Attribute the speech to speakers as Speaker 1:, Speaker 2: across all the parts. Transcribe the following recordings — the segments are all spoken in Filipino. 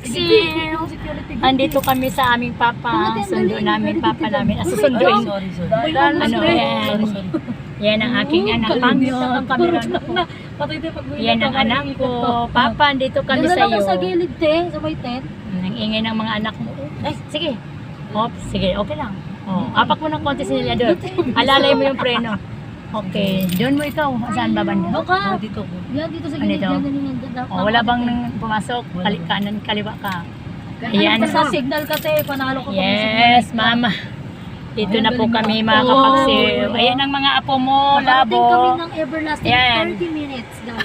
Speaker 1: kapaksiw. Andito kami sa aming papa. Sundo namin, papa namin. Susunduin. Ano, yan. Yan ang aking anak. Pangit ang kamera ko. Yan ang anak ko. Papa, andito kami sa iyo.
Speaker 2: Sa gilid, te. Sa may tent.
Speaker 1: Ang ingay ng mga anak mo. Ay, sige. Oops, sige, okay lang. Oh, apak mo ng konti sila doon. Alalay mo yung preno. Okay, doon mo ikaw. Saan ba banda?
Speaker 2: Baka. Dito. Yan, dito sa gilid.
Speaker 1: Oh, wala bang pumasok? Kanan, kaliwa ka. Ayan.
Speaker 2: Sa signal ka, te. Panalo ka pa.
Speaker 1: Yes, mama. Dito na po kami mga kapaksiw. Ayan ang mga apo mo,
Speaker 2: Parating kami
Speaker 1: labo.
Speaker 2: ng everlasting
Speaker 1: Yan.
Speaker 2: 30 minutes, guys.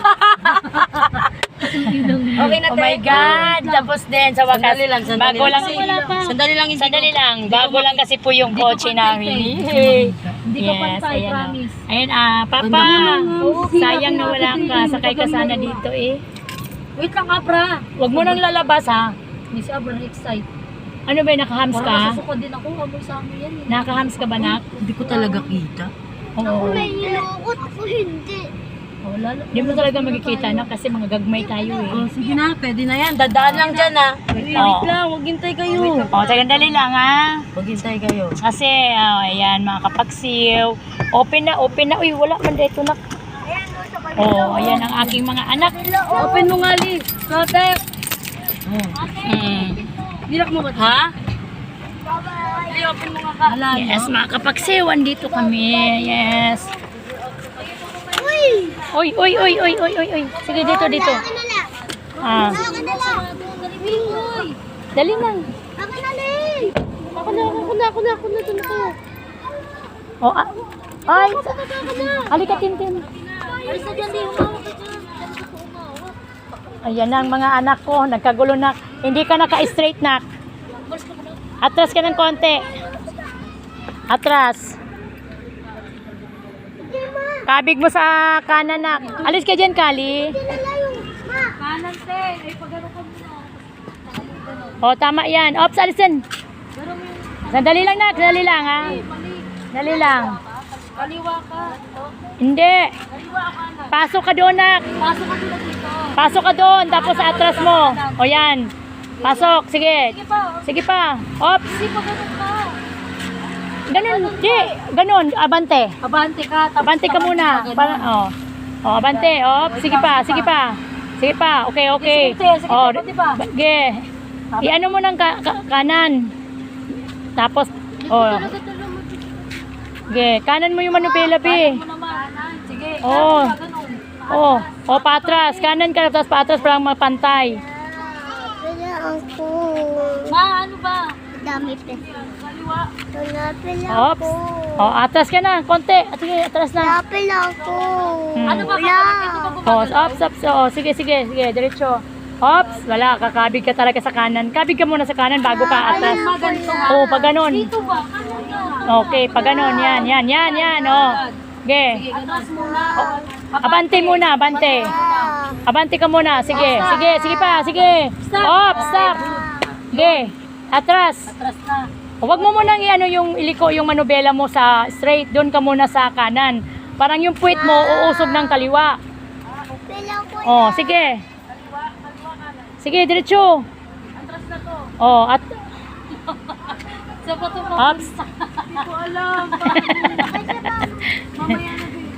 Speaker 3: Okay na,
Speaker 1: Oh my God! Tapos din sa wakas.
Speaker 3: Sandali lang.
Speaker 1: Bago lang.
Speaker 3: Sandali lang.
Speaker 1: Sandali lang. Bago lang kasi po yung kotse namin.
Speaker 2: Hindi ka pantay,
Speaker 1: ayan,
Speaker 2: promise.
Speaker 1: Ayan, Papa. Sayang na wala ka. Sakay ka sana dito eh.
Speaker 2: Wait lang, Abra.
Speaker 1: Huwag mo nang lalabas ha.
Speaker 2: Hindi si Abra excited.
Speaker 1: Ano ba, nakahams
Speaker 2: Parang
Speaker 1: ka?
Speaker 2: nasusukod din ako. Amoy sa amin yan eh.
Speaker 1: Nakahams ka ba, nak?
Speaker 3: Hindi ko talaga kita.
Speaker 1: Oo.
Speaker 4: Nilukot ko hindi.
Speaker 2: Oh, lalo.
Speaker 1: Hindi mo talaga magkikita na kasi mga gagmay tayo eh.
Speaker 3: Oh, sige na, pwede na yan. Dadaan lang dyan, ha. Wait
Speaker 1: Oo.
Speaker 3: lang, huwag hintay kayo.
Speaker 1: Dali lang ha.
Speaker 3: Huwag hintay kayo.
Speaker 1: Kasi, ayan, mga kapaksiw. Open na. Uy, wala man dito, nak. Oh, ayan ang aking mga anak.
Speaker 3: Open mo nga, Liz. Protect.
Speaker 2: Dirak mo ba?
Speaker 1: Ha?
Speaker 3: Open mo nga ka.
Speaker 1: Yes, mga kapaksiw, andito kami. Yes. Uy. Sige, dito. Ah, dali na.
Speaker 2: Ako na. Doon ako.
Speaker 1: Oh, ay, halika, Tintin.
Speaker 2: Alis na dyan, di. Humawak ka dyan. Dyan ako humawak.
Speaker 1: Ayan ang mga anak ko, nagkagulo na. Hindi ka naka-straight, nak. Atras ka ng konti. Atras. Kabig mo sa kanan, nak. Alis ka dyan, Kali.
Speaker 2: Kanan, te. Ay, pag-ano ka muna.
Speaker 1: O, tama yan. Ops, alis dyan. Sandali lang, nak. Sandali lang, ha. Sandali lang.
Speaker 2: Kaliwa ka.
Speaker 1: Hindi.
Speaker 2: Kaliwa ka na.
Speaker 1: Pasok ka doon, nak.
Speaker 2: Pasok ka sila dito.
Speaker 1: Pasok ka doon, tapos atras mo. O, yan. Pasok. Sige.
Speaker 2: Sige pa.
Speaker 1: Sige pa. Ops.
Speaker 2: Hindi pa ganun ka.
Speaker 1: Ganun. Di. Ganun. Abante.
Speaker 2: Abante ka. Tapos
Speaker 1: Abante ka muna. Para, abante. Ops. Sige pa. Sige pa. Okay.
Speaker 2: Sige,
Speaker 1: Oh,
Speaker 2: abante pa.
Speaker 1: sige. I-ano mo ng kanan. Tapos, sige. Kanan mo yung manupila-pi.
Speaker 2: Mo naman. Sige.
Speaker 1: Oo.
Speaker 2: Ganun.
Speaker 1: Patras. Kanan ka, tapos patras para mapantay.
Speaker 4: Pila ako.
Speaker 2: Ma, ano ba?
Speaker 4: Dami pa.
Speaker 2: Kaliwa.
Speaker 4: Pila
Speaker 1: Ops. Atras ka na. Konti. Sige, atras na.
Speaker 4: Pila ako.
Speaker 2: Ano ba?
Speaker 4: Wala.
Speaker 1: Ops. Sige. Diretso. Ops. Wala. Kakabig ka talaga sa kanan. Kabig ka muna sa kanan bago ka atras.
Speaker 2: Ganito nga.
Speaker 1: Pag ganon.
Speaker 2: Dito ba? Kanan yan.
Speaker 1: Okay, pag ganon. Yan. Sige.
Speaker 2: Atras muna.
Speaker 1: Abante muna, abante. Abante ka muna. Sige pa. Ops, stop. Sige. Atras.
Speaker 2: Atras na.
Speaker 1: Huwag mo munang yung iliko yung manubela mo sa straight. Doon ka muna sa kanan. Parang yung puwit mo uusog ng kaliwa.
Speaker 4: Pila ko.
Speaker 1: Sige. Sige, diretso.
Speaker 2: Atras na to. Sa bato mo.
Speaker 1: Ops.
Speaker 2: Hindi ko alam. Mamaya na din.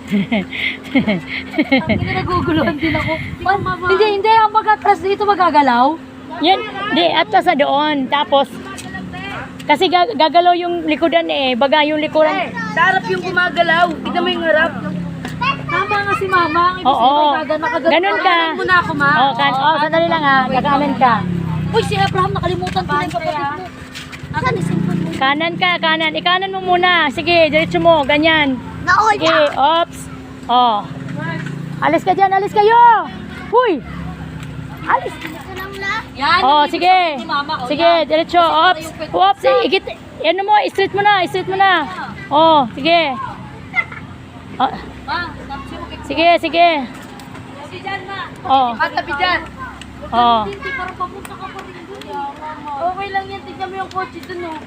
Speaker 2: Hindi naguguluhan din ako. Hindi. Ang pag-atras dito magagalaw.
Speaker 1: Yan. Di, atlas na doon. Tapos, kasi gagalaw yung likodan eh. Baga yung likuran.
Speaker 3: Sa harap yung gumagalaw. Tignan mo yung harap.
Speaker 2: Tama nga si mama. Ang ibig
Speaker 1: Oo.
Speaker 2: sabihin, nakagano.
Speaker 1: Ganun ka.
Speaker 3: Muna ako, ma.
Speaker 1: Sandali lang ha. Kakanan ka.
Speaker 2: Uy, si Abraham, nakalimutan ko na yung kapatid mo. Akan, isimpon mo.
Speaker 1: Kanan. Ikanan mo muna. Sige, diretso mo. Ganyan. Sige, ops. Alis ka dyan. Alis kayo. Huy. Alis.
Speaker 2: Yan.
Speaker 1: Sige.
Speaker 2: Si mama. O,
Speaker 1: Sige,
Speaker 2: yan.
Speaker 1: diretso. Ops. Igit. Ano mo, straight mo na. Sige.
Speaker 2: Ma, tapos yung
Speaker 1: Sige.
Speaker 2: si Jan, ma.
Speaker 3: Katabi dyan.
Speaker 2: Hindi, parang papunta ka pa rin dun. Okay lang yan. Tignan mo yung kotse dun, oh.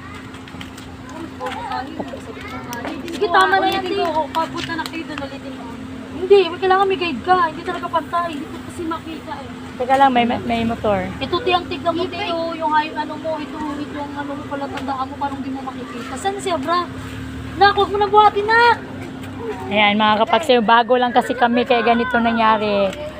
Speaker 2: Sige, tama na yan. Papunta na kayo dun. Ulitin mo. Hindi, kailangan may guide ka. Hindi talaga pantay. Hindi kasi makita eh.
Speaker 1: Teka lang, may motor.
Speaker 2: Ito tiyang tignan mo tayo, yung ano mo, ito yung ano mo pala tandaan mo, parang di mo makikita. Saan siya, bra? Nak, huwag mo na buhatin, nak!
Speaker 1: Ayan mga kapagsayo, bago lang kasi kami kaya ganito nangyari.